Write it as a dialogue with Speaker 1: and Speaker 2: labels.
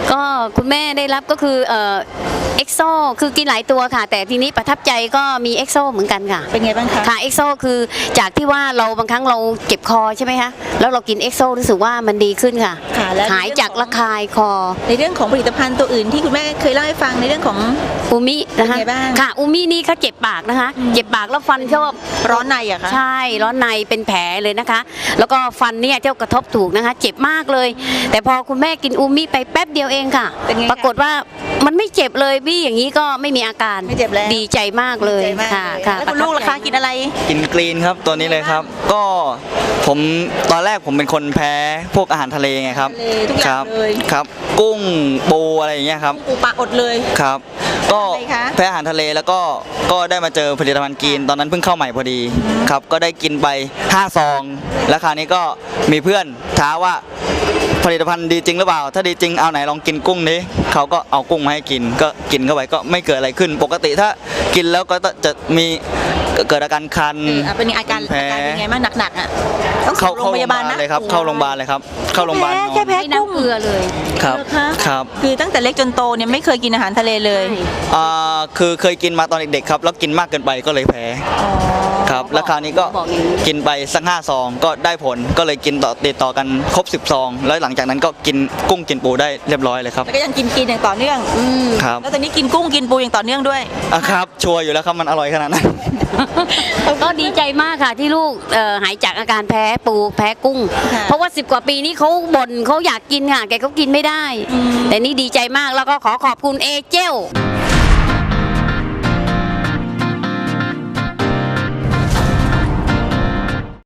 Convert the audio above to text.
Speaker 1: ก็คุณแม่ได้รับก็คือเอ็กโซคือกินหลายตัวค่ะ แต่ทีนี้ประทับใจก็มีเอ็กโซเหมือนกันค่ะ
Speaker 2: เป็นไงบ้างคะ
Speaker 1: ค่ะเอ็กโซคือจากที่ว่าเราบางครั้งเราเจ็บคอใช่ไหมคะแล้วเรากินเอ็กโซรู้สึกว่ามันดีขึ้นค่ะหายจากระคายคอ
Speaker 2: ในเรื่องของผลิตภัณฑ์ตัวอื่นที่คุณแม่เคยเล่าให้ฟังในเรื่องของ
Speaker 1: อูมินะคะค่ะอูมินี่เขาเจ็บปากนะคะเจ็บปากแล้วฟันชอบ
Speaker 2: ร้อนในอะคะ
Speaker 1: ใช่ร้อนในเป็นแผลเลยนะคะ แล้วก็ฟันเนี่ยเจ้ากระทบถูกนะคะเจ็บมากเลยแต่พอคุณแม่กินอูมิไปแป๊บเดียวเองค่ะปรากฏว่ามันไม่เจ็บเลยบี้อย่างนี้ก็ไม่มีอาการ
Speaker 2: ไม่เจ็บแล้ว
Speaker 1: ดีใจมากเลยค่ะ
Speaker 2: ค่ะแล้วคุณลูกล่ะคะกินอะไร
Speaker 3: กินกรีนครับตัวนี้เลยครับก็ผมตอนแรกผมเป็นคนแพ้พวกอาหารทะเลไงครับ
Speaker 2: ทุกอย่างเลย
Speaker 3: ครับกุ้งปูอะไรอย่างเงี้ยครับ
Speaker 2: ปูปลาอดเลย
Speaker 3: ครับก็แพ้อาหารทะเลแล้วก็ได้มาเจอผลิตภัณฑ์กรีนตอนนั้นเพิ่งเข้าใหม่พอดีครับก็ได้กินไป5 ซองแล้วคราวนี้ก็มีเพื่อนท้าว่าผลิตภัณฑ์ดีจริงหรือเปล่าถ้าดีจริงเอาไหนลองกินกุ้งนี้เขาก็เอากุ้งมาให้กินก็กินเข้าไปก็ไม่เกิดอะไรขึ้นปกติถ้ากินแล้วก็จะมีเกิดอาการคัน
Speaker 2: เป็นอาการเป็นไงบ้างหนักๆอ่ะต้อง
Speaker 3: เข้าโรงพยาบาลเลยครับเข้าโรงพยาบาลเลยครับเข้าโรงพยาบาล
Speaker 2: แค่แพ้กุ้ง
Speaker 1: เกลือเลย
Speaker 3: ครับ
Speaker 2: คือตั้งแต่เล็กจนโตเนี่ยไม่เคยกินอาหารทะเลเลย
Speaker 3: คือเคยกินมาตอนเด็กๆครับแล้วกินมากเกินไปก็เลยแพ้ครับแล้วคราวนี้ก็กินไปสัก5 ซองก็ได้ผลก็เลยกินติดต่อกันครบ10 ซองแล้วหลังจากนั้นก็กินกุ้งกินปูได้เรียบร้อยเลยครับ
Speaker 2: แล้วก็ยังกินอย่างต่อเนื่อง
Speaker 3: ครับ
Speaker 2: แล้วตอนนี้กินกุ้งกินปูอย่างต่อเนื่องด้วย
Speaker 3: ครับชัวร์อยู่แล้วครับมันอร่อยขนาดนั้น
Speaker 1: ก็ดีใจมากค่ะที่ลูกหายจากอาการแพ้ปูแพ้กุ้งเพราะว่า10 กว่าปีนี้เขาบ่นเขาอยากกินค่ะแกเขากินไม่ได้แต่นี่ดีใจมากแล้วก็ขอขอบคุณเอเจล